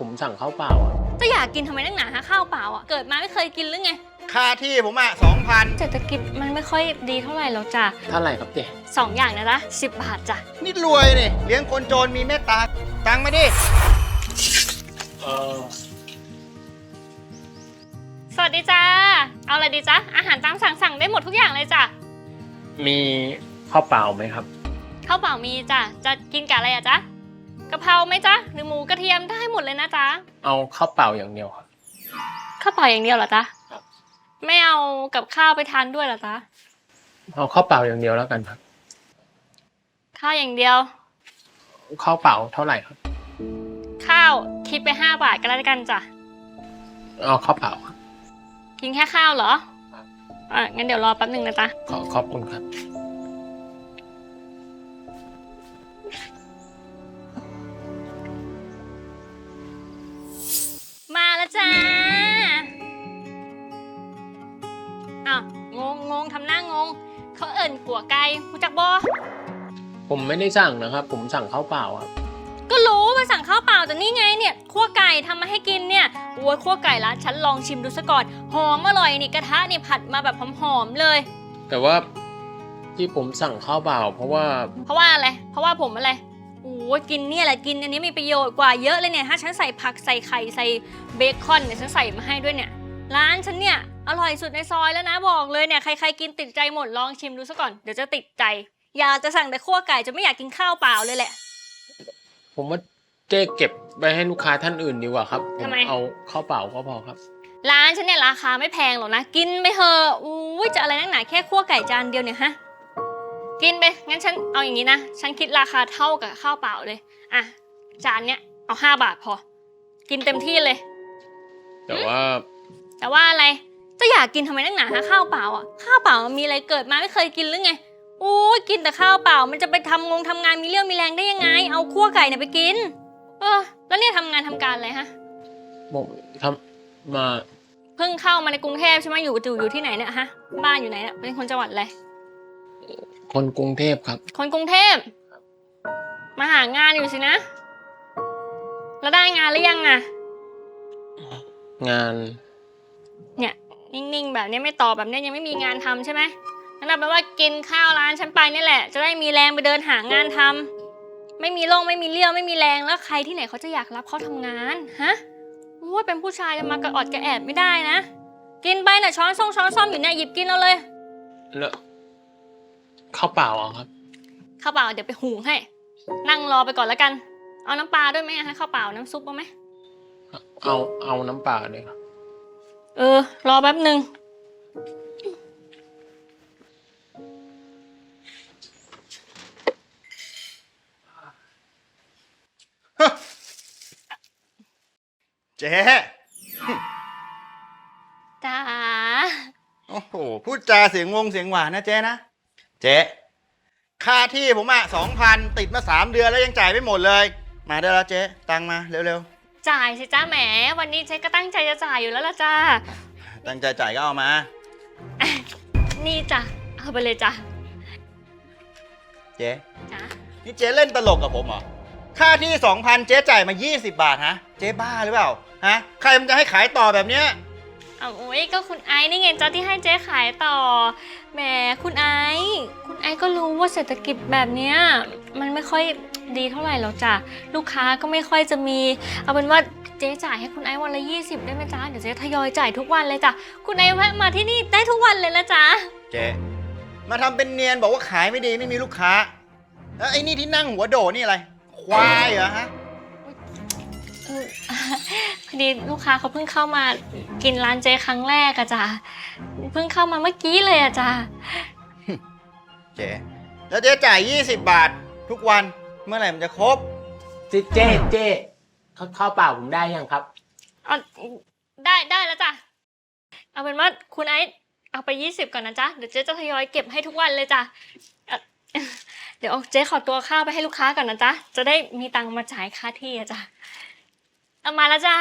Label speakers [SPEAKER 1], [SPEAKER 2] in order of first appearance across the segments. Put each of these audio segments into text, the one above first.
[SPEAKER 1] ผมสั่งข้าวเปล่าอะ
[SPEAKER 2] จะอยากกินทำไมนักหนาฮะข้าวเปล่าอ่ะเกิดมาไม่เคยกินหรือไง
[SPEAKER 3] ค่าที่ผม2,000
[SPEAKER 2] เศรษฐกิจมันไม่ค่อยดีเท่าไหร่หรอกจ้ะ
[SPEAKER 1] เท่าไหร่ครับเจ๊
[SPEAKER 2] 2 อย่างนะจ๊ะ10 บาทจ้ะ
[SPEAKER 3] นี่รวยนี่เลี้ยงคนโจรมีเมตตาตังค์มาดิ
[SPEAKER 1] เออ
[SPEAKER 2] สวัสดีจ้าเอาอะไรดีจ๊ะอาหารตามสั่งได้หมดทุกอย่างเลยจ้ะ
[SPEAKER 1] มีข้าวเปล่าไหมครับ
[SPEAKER 2] ข้าวเปล่ามีจ้ะจะกินกับอะไรอะจ๊ะกะเพราไหมจ๊ะหรือหมูกระเทียมได้หมดเลยนะจ๊ะ
[SPEAKER 1] เอาข้าวเปล่าอย่างเดียวครับ
[SPEAKER 2] ข้าวเปล่าอย่างเดียวเหรอจ๊ะไม่เอากับข้าวไปทานด้วยเหรอจ๊ะ
[SPEAKER 1] เอาข้าวเปล่าอย่างเดียวแล้วกันครับ
[SPEAKER 2] ข้าวอย่างเดียว
[SPEAKER 1] ข้าวเปล่าเท่าไหร่ครับ
[SPEAKER 2] ข้าวคิดไป5 บาทก็แล้วกันจ้ะ
[SPEAKER 1] เอาข้าวเปล่าครับ
[SPEAKER 2] กินแค่ข้าวเหรองั้นเดี๋ยวรอแป๊บหนึ่งนะจ๊ะ
[SPEAKER 1] ขอบคุณครับ
[SPEAKER 2] มาแล้วจ้าอ้าวงงทำหน้างงเขาเอิ่นกัวไก่รู้จักบ่
[SPEAKER 1] ผมไม่ได้สั่งนะครับผมสั่งข้าวเปล่าครับ
[SPEAKER 2] ก็รู้มาสั่งข้าวเปล่าแต่นี่ไงเนี่ยคั่วไก่ทำมาให้กินเนี่ยโอ้ยคั่วไก่ร้านฉันลองชิมดูซะก่อนหอมอร่อยนี่กระทะนี่ผัดมาแบบหอมๆเลย
[SPEAKER 1] แต่ว่าที่ผมสั่งข้าวเปล่าเพราะว่า
[SPEAKER 2] อะไรเพราะว่าผมอะไรโอ้ยกินเนี่ยแหละกินอันนี้มีประโยชน์กว่าเยอะเลยเนี่ยถ้าฉันใส่ผักใส่ไข่ใส่เบคอนเนี่ยฉันใส่มาให้ด้วยเนี่ยร้านฉันเนี่ยอร่อยสุดในซอยแล้วนะบอกเลยเนี่ยใครๆกินติดใจหมดลองชิมดูซะก่อนเดี๋ยวจะติดใจอยากจะสั่งแต่คั่วไก่จะไม่อยากกินข้าวเปล่าเลยแหละ
[SPEAKER 1] ผมว่าเจ๊เก็บไปให้ลูกค้าท่านอื่นดีกว่าครับผมเอาข้าวเปล่าก็พอครับ
[SPEAKER 2] ร้านฉันเนี่ยราคาไม่แพงหรอกนะกินไปเถอะอุ้ยจะอะไรนักหนาแค่คั่วไก่จานเดียวเนี่ยฮะกินไปงั้นฉันเอาอย่างนี้นะฉันคิดราคาเท่ากับข้าวเปล่าเลยอ่ะจานเนี้ยเอา5 บาทพอกินเต็มที่เลย
[SPEAKER 1] แต่ว่า
[SPEAKER 2] อะไรจะอยากกินทำไมนักหนาฮะข้าวเปล่าอ่ะข้าวเปล่ามันมีอะไรเกิดมาไม่เคยกินหรือไงโอ้ยกินแต่ข้าวเปล่ามันจะไปทำงานมีเรี่ยวมีแรงได้ยังไงเอาคั่วไก่เนี่ยไปกินแล้วเนี่ยทำงานทำการอะไรฮะ
[SPEAKER 1] ผมทำมา
[SPEAKER 2] เพิ่งเข้ามาในกรุงเทพใช่ไหมอยู่ที่ไหนเนี่ยฮะบ้านอยู่ไหนเนี่ยเป็นคนจังหวัดอะไร
[SPEAKER 1] คนกรุงเทพครับ
[SPEAKER 2] คนกรุงเทพมาหางานอยู่สินะแล้วได้งานหรือยังอะ
[SPEAKER 1] งาน
[SPEAKER 2] เนี่ยนิ่งๆแบบนี้ไม่ตอบแบบนี้ยังไม่มีงานทำใช่ไหมนั่นแปลว่ากินข้าวร้านฉันไปนี่แหละจะได้มีแรงไปเดินหางานทำไม่มีไม่มีเลี้ยวไม่มีแรงแล้วใครที่ไหนเขาจะอยากรับเขาทำงานฮะว่าเป็นผู้ชายจะมากระอดกระแอบไม่ได้นะกินไปน่ะช้อนซ่อมอยู่เนี่ยหยิบกินเอาเลย
[SPEAKER 1] แล้วข้าวเปล่าครับ
[SPEAKER 2] ข้าวเปล่าเดี๋ยวไปหุงให้นั่งรอไปก่อนแล้วกันเอาน้ำปลาด้วยไหมฮะข้าวเปล่าน้ำซุปเอาไหม
[SPEAKER 1] เอาน้ำปลาเลยครับ
[SPEAKER 2] รอแป๊บหนึ่ง
[SPEAKER 3] เจ๊
[SPEAKER 2] จ้า
[SPEAKER 3] โอ้โหพูดจาเสียงหวานนะเจ๊นะเจ๊ค่าที่ผม2,000ติดมา3 เดือนแล้วยังจ่ายไม่หมดเลยมาได้แล้วเจ๊ตังมาเร็ว
[SPEAKER 2] ๆจ่ายสิจ้าแหมวันนี้เจ๊ก็ตั้งใจจะจ่ายอยู่แล้วล่ะจ้า
[SPEAKER 3] ตั้งใจจ่ายก็เอามา
[SPEAKER 2] นี่จ้ะเอาไปเลยจ้ะ
[SPEAKER 3] เจ๊นี่เจ๊เล่นตลกกับผมเหรอค่าที่ 2,000เจ๊จ่ายมา20 บาทฮะเจ๊บ้าหรือเปล่าฮะใครมันจะให้ขายต่อแบบเนี้ย
[SPEAKER 2] โอ้ยก็คุณไอ้นี่ไงจ้าที่ให้เจ๊ขายต่อแหมคุณไอ้ก็รู้ว่าเศรษฐกิจแบบเนี้ยมันไม่ค่อยดีเท่าไหร่หรอกจ้ะลูกค้าก็ไม่ค่อยจะมีเอาเป็นว่าเจ๊จ่ายให้คุณไอ้วันละ20ได้ไหมจ๊ะเดี๋ยวเจ๊ทยอยจ่ายทุกวันเลยจ้ะคุณไอ้แวะมาที่นี่ได้ทุกวันเลยนะจ๊ะ
[SPEAKER 3] เจ๊มาทำเป็นเนียนบอกว่าขายไม่ดีไม่มีลูกค้าแล้วไอ้นี่ที่นั่งหัวโดนี่อะไรควายเหรอฮะ
[SPEAKER 2] พอดีลูกค้าเขาเพิ่งเข้ามากินร้านเจ๊ครั้งแรกอะจ้ะเพิ่งเข้ามาเมื่อกี้เลยอะจ้ะ
[SPEAKER 3] เจ๊แล้วเจ๊จ่าย20 บาททุกวันเมื่อไหร่มันจะครบ
[SPEAKER 1] เจ๊ข้าวเปล่าผมได้ยังครับ
[SPEAKER 2] ได้แล้วจ้ะเอาเป็นว่าคุณไอ้เอาไป20ก่อนนะจ๊ะเดี๋ยวเจ๊จะทยอยเก็บให้ทุกวันเลยจ้ะเดี๋ยวเจ๊ขอตัวข้าวไปให้ลูกค้าก่อนนะจ๊ะจะได้มีตังค์มาจ่ายค่าที่อะจ้ะเอามาแล้วจ้า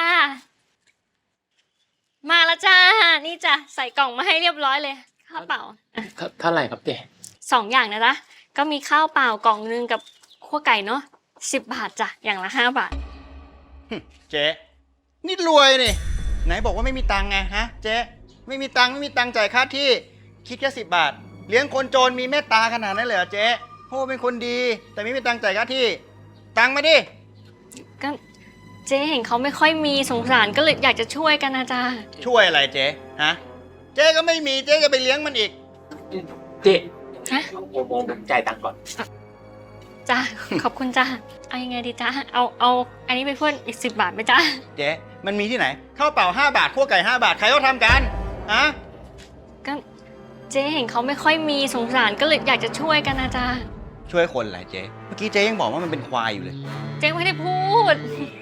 [SPEAKER 2] นี่จ้ะใส่กล่องมาให้เรียบร้อยเลยข้าวเปล่า
[SPEAKER 1] เท่าไหร่ครับเจ๊
[SPEAKER 2] 2 อย่างนะจ๊ะก็มีข้าวเปล่ากล่องนึงกับคั่วไก่เนาะ10 บาทจ้ะอย่างละ5 บาท
[SPEAKER 3] เจ๊นี่รวยนี่ไหนบอกว่าไม่มีตังค์ไงฮะเจ๊ไม่มีตังค์จ่ายค่าที่คิดแค่10 บาทเลี้ยงคนจนมีเมตตาขนาดนั้นเลยเหรอเจ๊โอ้เป็นคนดีแต่ไม่มีตังค์จ่ายค่าที่ตังค์มาดิ
[SPEAKER 2] ก็เจ๊เห็นเขาไม่ค่อยมีสงสารก็เลยอยากจะช่วยกันนะจ๊ะ
[SPEAKER 3] ช่วยอะไรเจ๊ฮะเจ๊ก็ไม่มีเจ๊จะไปเลี้ยงมันอีก
[SPEAKER 1] เจ๊
[SPEAKER 2] ฮะ
[SPEAKER 1] ผมจ่ายตังค์ก่อน
[SPEAKER 2] จ้า ขอบคุณจ้าเอายังไงดีจ้าเอาอันนี้ไปเพิ่มอีก10 บาทไหมจ้า
[SPEAKER 3] เจ๊มันมีที่ไหนข้าวเปล่า5 บาทคั่วไก่5 บาทใครเขาทำกันฮะ
[SPEAKER 2] ก็เจ๊เห็นเขาไม่ค่อยมีสงสารก็เลยอยากจะช่วยกันนะจ๊ะ
[SPEAKER 3] ช่วยคนอะไรเจ๊เมื่อกี้เจ๊ยังบอกว่ามันเป็นควายอยู่เลย
[SPEAKER 2] เจ๊ไม่ได้พูด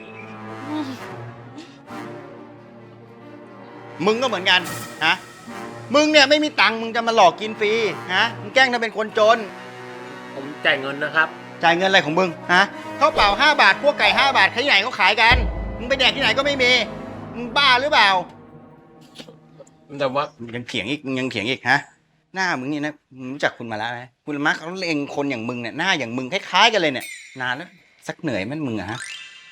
[SPEAKER 3] มึงก็เหมือนกันฮะมึงเนี่ยไม่มีตังค์มึงจะมาหลอกกินฟรีฮะมึงแกล้งทำเป็นคนจน
[SPEAKER 1] ผมจ่ายเงินนะครับ
[SPEAKER 3] จ่ายเงินอะไรของมึงฮะข้าวเปล่า5 บาทคั่วไก่5 บาทใครที่ไหนเขาขายกันมึงไปแดกที่ไหนก็ไม่มีมึงบ้าหรือเปล่า
[SPEAKER 1] แต่ว่า
[SPEAKER 3] ยังเถียงอีกฮะหน้ามึงนี่นะมึงรู้จักคุณมาแล้วไหมคุณมาร์คเขาเล็งคนอย่างมึงเนี่ยหน้าอย่างมึงคล้ายๆกันเลยเนี่ยนานแล้วสักเหนื่อยมันมึงอะฮะ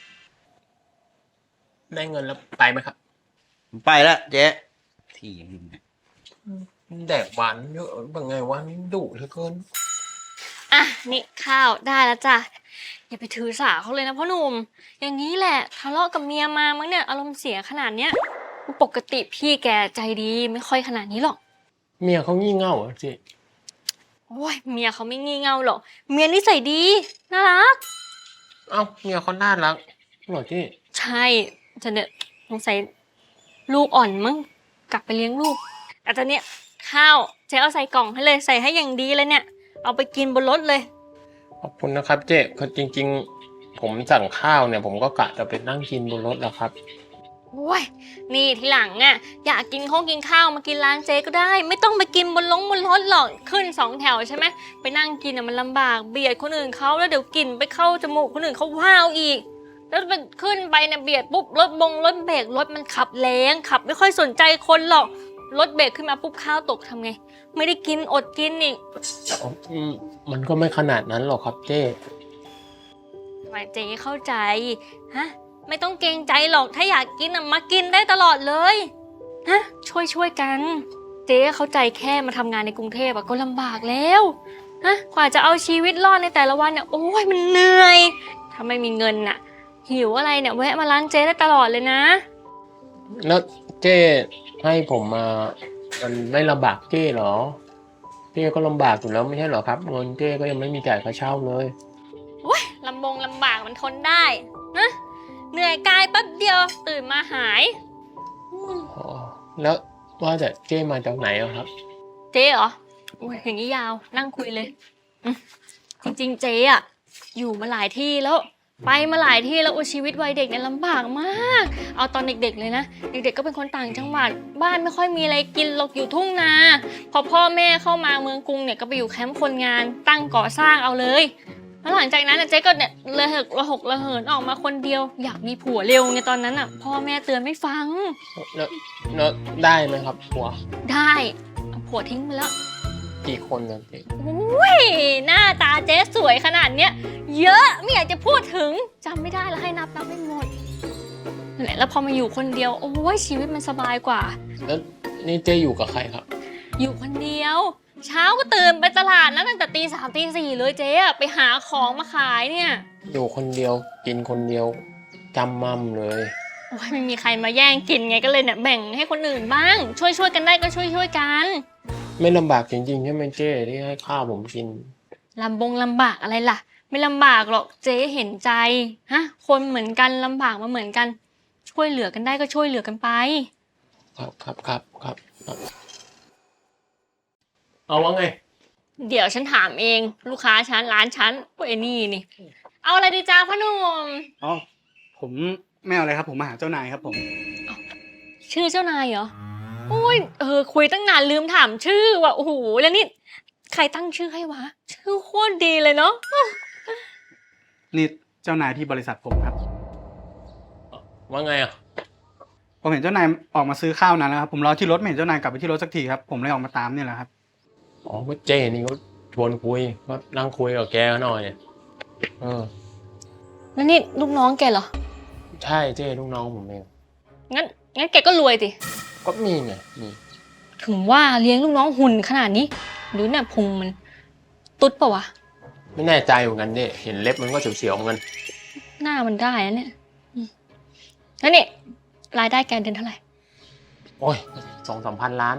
[SPEAKER 1] ได้เงินแล้วไปไหมครับ
[SPEAKER 3] ไปแล้วเจ๊ที่อย่างนี้เนี่ย
[SPEAKER 1] แดกหวานเยอะเป็นไงวะนี่ดุเหลือเกิน
[SPEAKER 2] อ่ะนี่ข้าวได้แล้วจ้ะอย่าไปถือสาเขาเลยนะพ่อหนุ่มอย่างนี้แหละทะเลาะกับเมียมามั้งเนี่ยอารมณ์เสียขนาดเนี้ยปกติพี่แกใจดีไม่ค่อยขนาดนี้หรอก
[SPEAKER 1] เมียเขางี่เง่าเหรอเจ๊
[SPEAKER 2] โอ้ยเมียเขาไม่งี่เง่าหรอกเมียนิสัยดีน่ารัก
[SPEAKER 1] เอ้าเมียเขาน่ารักเหรอเจ๊
[SPEAKER 2] ใช่จะเนี่ยสงสัยลูกอ่อนมั้งกลับไปเลี้ยงลูกแต่ตอนเนี้ยข้าวเจ๊เอาใส่กล่องให้เลยใส่ให้อย่างดีเลยเนี่ยเอาไปกินบนรถเลย
[SPEAKER 1] ขอบคุณนะครับเจ๊คือจริงๆ ผมสั่งข้าวเนี่ยผมก็กะจะไปนั่งกินบนรถแหละครับ
[SPEAKER 2] โอ้ยนี่ทีหลังอ่ะอยากกินข้าวมากินร้านเจ๊ก็ได้ ไม่ต้องไปกินบนรถหรอกขึ้น2 แถวใช่ไหมไปนั่งกินอ่ะมันลำบากเบียดคนอื่นเขาแล้วเดี๋ยวกลิ่นไปเข้าจมูกคนอื่นเขาว้าวอีก แล้วมันขึ้นไปเนี่ยเบียดปุ๊บรถเบรกรถมันขับแรงขับไม่ค่อยสนใจคนหรอกรถเบรกขึ้นมาปุ๊บข้าวตกทำไง ไม่ได้กินอดกินอีก
[SPEAKER 1] มันก็ไม่ขนาดนั้นหรอกครับเจ๊
[SPEAKER 2] ทำไมเจ๊เข้าใจฮะไม่ต้องเกรงใจหรอกถ้าอยากกินอ่ะมากินได้ตลอดเลยฮะช่วยกันเจ๊เข้าใจแค่มาทำงานในกรุงเทพอะก็ลำบากแล้วฮะกว่าจะเอาชีวิตรอดในแต่ละวันเนี่ยโอ้ยมันเหนื่อยถ้าไม่มีเงินน่ะหิวอะไรเนี่ยแวะมาร้านเจ๊ได้ตลอดเลยนะ
[SPEAKER 1] แล้วเจ๊ให้ผมมามันไม่ลำบากเจ๊เหรอเจ๊ก็ลำบากอยู่แล้วไม่ใช่เหรอครับเงินเจ๊ก็ยังไม่มีจ่ายค่าเช่าเลย
[SPEAKER 2] โอ้ยลำบากมันทนได้นะเหนื่อยกายแป๊บเดียวตื่นมาหาย
[SPEAKER 1] อ๋อแล้วว่าแต่เจ๊มาจากไหนอะครับ
[SPEAKER 2] เจ๊เหรอโอ้ยอย่างนี้ยาวนั่งคุยเลยอืมจริงๆเจ๊อะอยู่มาหลายที่แล้วไปมาหลายที่แล้วโอ้ชีวิตวัยเด็กเนี่ยลำบากมากเอาตอนเด็กๆเลยนะเด็กๆก็เป็นคนต่างจังหวัดบ้านไม่ค่อยมีอะไรกินหรอกอยู่ทุ่งนาพอพ่อแม่เข้ามาเมืองกรุงเนี่ยก็ไปอยู่แคมป์คนงานตั้งก่อสร้างเอาเลยแล้วหลังจากนั้นเจ๊ก็เนี่ยระหกระเหินออกมาคนเดียวอยากมีผัวเร็วไงตอนนั้นอ่ะพ่อแม่เตือนไม่ฟัง
[SPEAKER 1] แล้วได้ไหมครับผัว
[SPEAKER 2] ได้เอาผัวทิ้งไปแล้ว
[SPEAKER 1] กี่คนนะเจ๊
[SPEAKER 2] อุ้ยหน้าตาเจ๊สวยขนาดเนี้ยเยอะไม่อยากจะพูดถึงจำไม่ได้แล้วให้นับไม่หมดนั่นแหละแล้วพอมาอยู่คนเดียวโอ้ยชีวิตมันสบายกว่า
[SPEAKER 1] แล้วนี่เจ๊อยู่กับใครครับ
[SPEAKER 2] อยู่คนเดียว เช้าก็ตื่นไปตลาดนะตั้งแต่ตี 3ตี 4เลยเจ๊อะไปหาของมาขายเนี่ย
[SPEAKER 1] อยู่คนเดียวกินคนเดียวจำมั่มเลย
[SPEAKER 2] โอ้ยไม่มีใครมาแย่งกินไงก็เลยเนี่ยแบ่งให้คนอื่นบ้าง ช่วยกันได้ก็ช่วยกัน
[SPEAKER 1] ไม่ลำบากจริงๆใช่ไหมเจ๊ที่ให้ข้าวผมกิน
[SPEAKER 2] ลำบากอะไรล่ะ ไม่ลำบากหรอกเจ๊เห็นใจฮะคนเหมือนกันลำบากมาเหมือนกัน ช่วยเหลือกันได้ก็ช่วยเหลือกันไป
[SPEAKER 1] ครับเอาว่าไง
[SPEAKER 2] เดี๋ยวฉันถามเองลูกค้าฉันร้านฉันพวกไอ้นี่เอาอะไรดีจ้าพ่อหนุ่ม
[SPEAKER 4] อ๋อผมไม่เอาอะไรครับผมมาหาเจ้านายครับผม
[SPEAKER 2] ชื่อเจ้านายเหรอโอ้ยคุยตั้งนานลืมถามชื่อว่ะโอ้โหแล้วนี่ใครตั้งชื่อให้วะชื่อโคตรดีเลยเนาะ
[SPEAKER 4] นี่เจ้านายที่บริษัทผมครับ
[SPEAKER 1] ว่าไงอ่ะ
[SPEAKER 4] ผมเห็นเจ้านายออกมาซื้อข้าวนานแล้วครับผมรอที่รถไม่เห็นเจ้านายกลับไปที่รถสักทีครับผมเลยออกมาตามเนี่ยแหละครับ
[SPEAKER 1] อ๋อก็เจ๊นี่ก็ชวนคุยก็นั่งคุยกับแกหน่อย
[SPEAKER 2] แล้วนี่ลูกน้องแกเหรอ
[SPEAKER 1] ใช่เจ๊ลูกน้องผมเอง
[SPEAKER 2] งั้นแกก็รวยสิ
[SPEAKER 1] ก็มีไงมี
[SPEAKER 2] ถึงว่าเลี้ยงลูกน้องหุ่นขนาดนี้หรือเนี่ยพุงมันตุ๊ดปะวะ
[SPEAKER 1] ไม่แน่ใจเหมือนกันเนี่ยเห็นเล็บมันก็เสียวๆเหมือนกัน
[SPEAKER 2] หน้ามันได้นะเนี่ยแล้วนี่รายได้แกเดือนเท่าไหร่
[SPEAKER 1] โอ้ย2-3 พันล้านอะ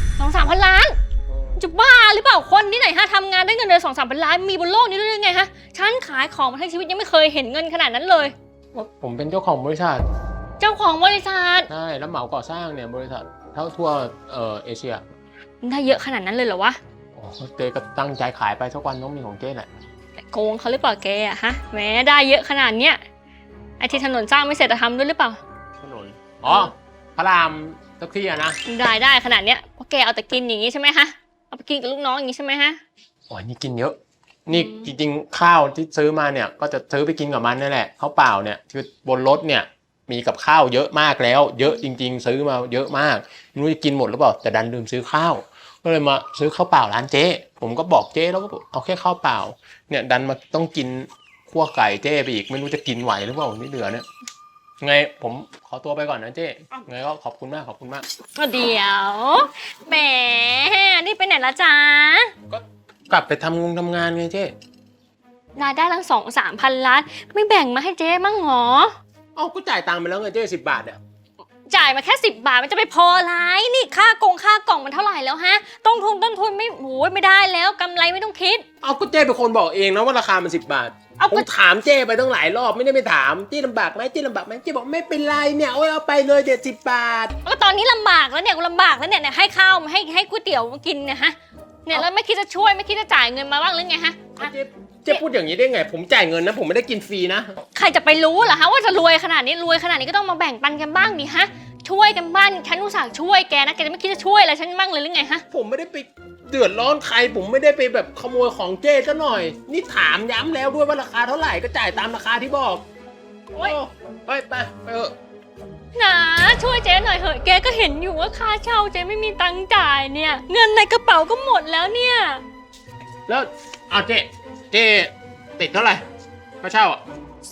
[SPEAKER 2] 2-3 พันล้าน จะบ้าหรือเปล่าคนที่ไหนฮะทำงานได้เงินเดือน2-3 พันล้านมีบนโลกนี้ด้วยยังไงฮะฉันขายของมาทั้งชีวิตยังไม่เคยเห็นเงินขนาดนั้นเลย
[SPEAKER 1] ผมเป็นเจ้าของบริษัท
[SPEAKER 2] เจ้าของบริษัท
[SPEAKER 1] ใช่แล้วเหมาก่อสร้างเนี่ยบริษัททั่วเอเชีย
[SPEAKER 2] ได้เยอะขนาดนั้นเลยเหรอวะ
[SPEAKER 1] โอ้เจ๊ก็ตั้งใจขายไปสักวันต้องมีของเจ๊แหละ
[SPEAKER 2] โกงเขาหรือเปล่าแกอะฮะแหมได้เยอะขนาดเนี้ยไอที่ถนนสร้างไม่เสร็จจะทำด้วยหรือเปล่า
[SPEAKER 1] ถนนอ๋อพระรามสักที่อะนะ
[SPEAKER 2] ได้ขนาดเนี้ยเพราะแกเอาแต่กินอย่างนี้ใช่ไหมฮะเอาไปกินกับลูกน้องอย่างนี้ใช่ไหมฮะ
[SPEAKER 1] โอ้ยนี่กินเยอะ นี่จริงๆข้าวที่ซื้อมาเนี่ยก็จะซื้อไปกินกับมันนั่นแหละข้าวเปล่าเนี่ยคือบนรถเนี่ยมีกับข้าวเยอะมากแล้ว เยอะจริงๆซื้อมาเยอะมากไม่รู้จะกินหมดหรือเปล่าแต่ดันลืมซื้อข้าวก็เลยมาซื้อข้าวเปล่าร้านเจ๊ผมก็บอกเจ๊แล้วก็บอกเอาแค่ข้าวเปล่าเนี่ยดันมาต้องกินคั่วไก่เจ๊ไปอีกไม่รู้จะกินไหวหรือเปล่าที่เหลือเนี่ยไงผมขอตัวไปก่อนนะเจ๊ไงก็ขอบคุณมากขอบคุณมาก
[SPEAKER 2] เดี๋ยวแหมนี่ไปไหนละจ๊ะ
[SPEAKER 1] ก็กลับไปทำงานไงเจ๊
[SPEAKER 2] รายได้ตั้ง2-3 พันล้านไม่แบ่งมาให้เจ๊มั่งหรอ
[SPEAKER 1] เอ้าก็จ่ายตังค์ไปแล้วไงเจ๊10 บาทเนี่ย
[SPEAKER 2] จ่ายมาแค่10 บาทมันจะไปพออะไรนี่ค่ากล่องมันเท่าไหร่แล้วฮะต้นทุนไม่โอ้ยไม่ได้แล้วกำไรไม่ต้องคิด
[SPEAKER 1] เอาก็เจ๊เป็นคนบอกเองนะว่าราคามัน10 บาท
[SPEAKER 2] เอา
[SPEAKER 1] ผม
[SPEAKER 2] ก็
[SPEAKER 1] ถามเจ้ไปตั้งหลายรอบไม่ได้ไปถามเจ้ลำบากไหมเจ้ลำบากไหมเจ้บอกไม่เป็นไรเนี่ยโอ้ยเอาไปเลยเดี๋ยว10 บาท
[SPEAKER 2] ก็ตอนนี้ลำบากแล้วเนี่ยกูลำบากแล้วเนี่ยให้ข้าวให้ก๋วยเตี๋ยวมากินเนี่ยฮะเนี่ยแล้วไม่คิดจะช่วยไม่คิดจะจ่ายเงินมาบ้างหรือไงฮะ
[SPEAKER 1] เจ๊พูดอย่างนี้ได้ไงผมจ่ายเงินนะผมไม่ได้กินฟรีนะ
[SPEAKER 2] ใครจะไปรู้เหรอฮะว่าจะรวยขนาดนี้ก็ต้องมาแบ่งปันกันบ้างดิฮะช่วยกันบ้างฉันอุตส่าห์ช่วยแกนะแกจะไม่คิดจะช่วยอะไรฉันบ้างเลยหรือไงฮะ
[SPEAKER 1] ผมไม่ได้ไปเดือดร้อนใครผมไม่ได้ไปแบบขโมยของเจ้ซะหน่อย นี่ถามย้ำแล้วด้วยว่าราคาเท่าไหร่ก็จ่ายตามราคาที่บอก
[SPEAKER 2] โอ๊ย
[SPEAKER 1] ไปเถอะ
[SPEAKER 2] นะช่วยเจ๊หน่อยเหอะแกก็เห็นอยู่ว่าค่าเช่าเจ๊ไม่มีตังค์จ่ายเนี่ยเงินในกระเป๋าก็หมดแล้วเนี่ย
[SPEAKER 1] แล้วเอาเจ๊ติดเท่าไหร่ค่าเช่าอ่ะ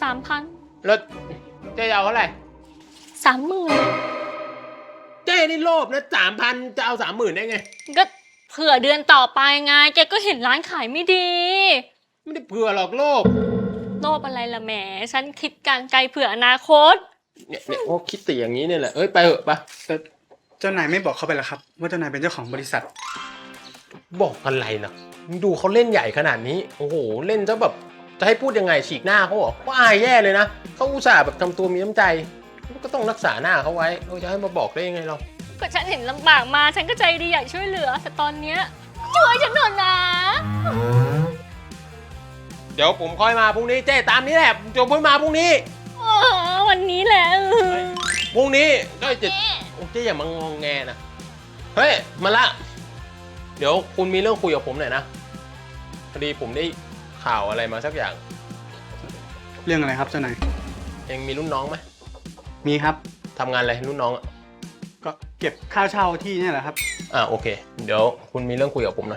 [SPEAKER 2] 3,000
[SPEAKER 1] แล้วเจ๊จะเอาเท่าไหร่
[SPEAKER 2] 30,000
[SPEAKER 1] เจ๊นี่โลภนะ3,000จะเอา30,000ได้ไง
[SPEAKER 2] ก็เผื่อเดือนต่อไปไงแกก็เห็นร้านขายไม่ดี
[SPEAKER 1] ไม่ได้เผื่อหรอกโลภ
[SPEAKER 2] โลภอะไรล่ะแหมฉันคิดการไกลเผื่ออนาคต
[SPEAKER 1] เนี่ยโอ้คิดแต่อย่างนี้เนี่ยแหละเอ้ยไปเถอะไป
[SPEAKER 4] แต่เจ้านายไม่บอกเขาไปแล้วครับว่าเจ้านายเป็นเจ้าของบริษัท
[SPEAKER 1] บอกอะไรนะดูเขาเล่นใหญ่ขนาดนี้โอ้โหเล่นซะแบบจะให้พูดยังไงฉีกหน้าเขาเหรอก็อายแย่เลยนะเขาอุตส่าห์แบบทำตัวมีน้ำใจก็ต้องรักษาหน้าเขาไว้เราจะให้มาบอกได้ยังไงเรา
[SPEAKER 2] ก็ฉันเห็นลำบากมาฉันก็ใจดีอยากช่วยเหลือแต่ตอนเนี้ยช่วยฉันหน่อยนะ
[SPEAKER 1] เดี๋ยวผมค่อยมาพรุ่งนี้เจ๊ตามนี้แหละจบเพิ่งมาพรุ่งนี้
[SPEAKER 2] อ๋อวันนี้แหละ
[SPEAKER 1] พรุ่งนี้ก็จะเจ๊อย่ามางงแงนะเฮ้ยมาละเดี๋ยวคุณมีเรื่องคุยกับผมหน่อยนะพอดีผมได้ข่าวอะไรมาสักอย่าง
[SPEAKER 4] เรื่องอะไรครับเจ้านาย
[SPEAKER 1] เองมีรุ่นน้องไหม
[SPEAKER 4] มีครับ
[SPEAKER 1] ทำงานอะไรรุ่นน้องอ่ะ
[SPEAKER 4] ก็เก็บค่าเช่าที่เนี่ยแหละครับ
[SPEAKER 1] โอเคเดี๋ยวคุณมีเรื่องคุยกับผมหน่อย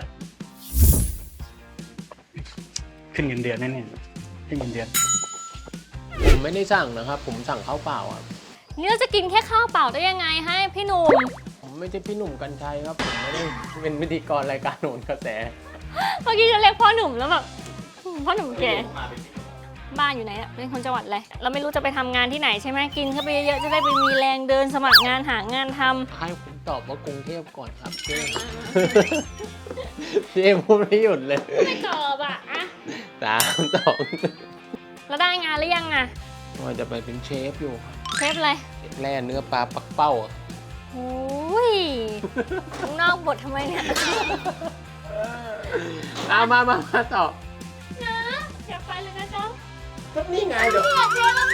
[SPEAKER 4] ขึ้นเงินเดือนแน่ๆขึ้นเงินเดือน
[SPEAKER 1] ผมไม่ได้สั่งนะครับ ผมสั่งข้าวเปล่าอ่ะ
[SPEAKER 2] เนี่ยจะกินแค่ข้าวเปล่าได้ยังไงให้พี่หนุ่ม
[SPEAKER 1] ผมไม่ใช่พี่หนุ่มกัญชัยครับผมไม่ได้เป็นพิธีกรรายการโหนกระแส
[SPEAKER 2] เมื่อกี้จะเรียกพ่อหนุ่มแล้วแบบพ่อหนุ่มแกบ้านอยู่ไหนอะเป็นคนจังหวัดอะไรเราไม่รู้จะไปทำงานที่ไหนใช่ไหมกินเข้าไปเยอะๆจะได้ไปมีแรงเดินสมัครงานหางานทำ
[SPEAKER 1] ให้ผมตอบว่ากรุงเทพก่อนครับเจ๊ เจ๊พูดไม่หยุดเลย
[SPEAKER 2] ไม่ตอบอะอะ
[SPEAKER 1] 3-2
[SPEAKER 2] แล้วได้งานหรือยังอะ
[SPEAKER 1] ว่าจะไปเป็นเชฟอยู่
[SPEAKER 2] เชฟอะไร
[SPEAKER 1] แล่เนื้อปลาปักเป้าอะ
[SPEAKER 2] โอ้ยนอกบททำไมเนี่ย
[SPEAKER 1] มาต่อ
[SPEAKER 2] นะอย่าไปเลยนะจ๊ะ
[SPEAKER 1] ก็นี่ไงเดี๋ยว
[SPEAKER 2] เจ๊เรา